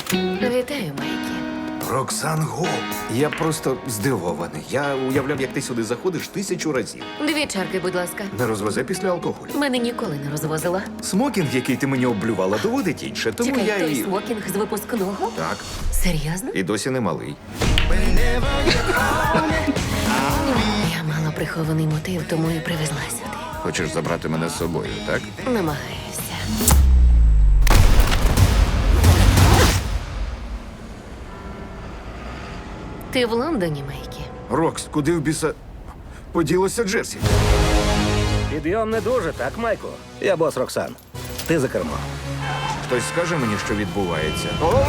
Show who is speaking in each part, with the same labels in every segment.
Speaker 1: Вітаю, Майкі.
Speaker 2: Роксан Гол. Я просто здивований. Я уявляв, як ти сюди заходиш 1000 разів.
Speaker 1: 2 чарки, будь ласка.
Speaker 2: Не розвезе після алкоголю.
Speaker 1: Мене ніколи не розвозила.
Speaker 2: Смокінг, який ти мені облювала, доводить інше, тому
Speaker 1: Чекай,
Speaker 2: я
Speaker 1: той
Speaker 2: і...
Speaker 1: смокінг з випускного?
Speaker 2: Так,
Speaker 1: Серйозно?
Speaker 2: і досі не малий.
Speaker 1: Я мала прихований мотив, тому і привезла сюди.
Speaker 2: Хочеш забрати мене з собою, так?
Speaker 1: Намагаюся. Ти в Лондоні, Майкі?
Speaker 2: Рокс, куди в біса... поділося Джерсі?
Speaker 3: Підйом не дуже, так, Майку? Я бос Роксан. Ти за кермо.
Speaker 2: Хтось скаже мені, що відбувається.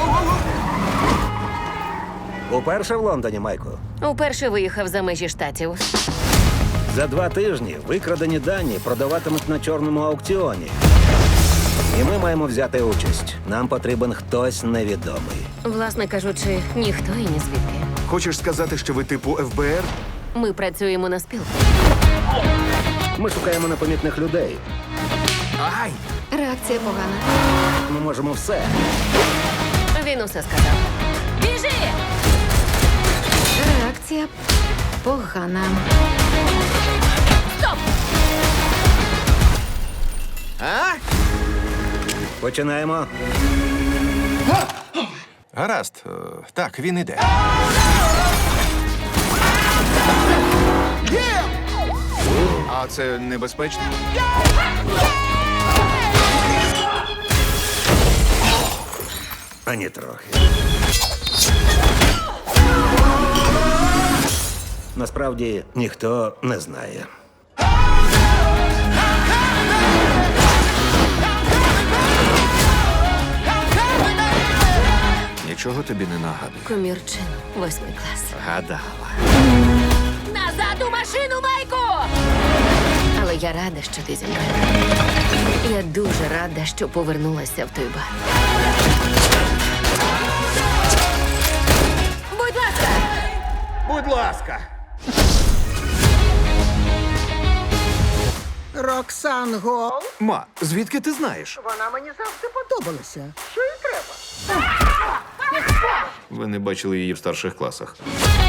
Speaker 3: Уперше в Лондоні, Майку.
Speaker 1: Уперше виїхав за межі штатів.
Speaker 3: За 2 тижні викрадені дані продаватимуть на чорному аукціоні. І ми маємо взяти участь. Нам потрібен хтось невідомий.
Speaker 1: Власне кажучи, ніхто і ні звідки.
Speaker 2: Хочеш сказати, що ви типу ФБР?
Speaker 1: Ми працюємо на спілку.
Speaker 3: Ми шукаємо непомітних людей.
Speaker 2: Ай!
Speaker 1: Реакція погана.
Speaker 3: Ми можемо все.
Speaker 1: Він усе сказав. Біжи!
Speaker 4: Реакція погана.
Speaker 1: Стоп!
Speaker 2: А?
Speaker 3: Починаємо.
Speaker 2: Гаразд. Так, він іде. А це небезпечно?
Speaker 3: Ані трохи. Насправді ніхто не знає.
Speaker 2: Нічого тобі не нагадує.
Speaker 1: Комірчин, 8 клас.
Speaker 2: Гадала.
Speaker 1: Назад у машину, Майку! Але я рада, що ти зі мною. Я дуже рада, що повернулася в той бар. Будь ласка!
Speaker 2: Будь ласка.
Speaker 5: Роксан Гол.
Speaker 2: Ма, звідки ти знаєш?
Speaker 5: Вона мені завжди подобалася. Що їй треба?
Speaker 2: Ви не бачили її в старших класах.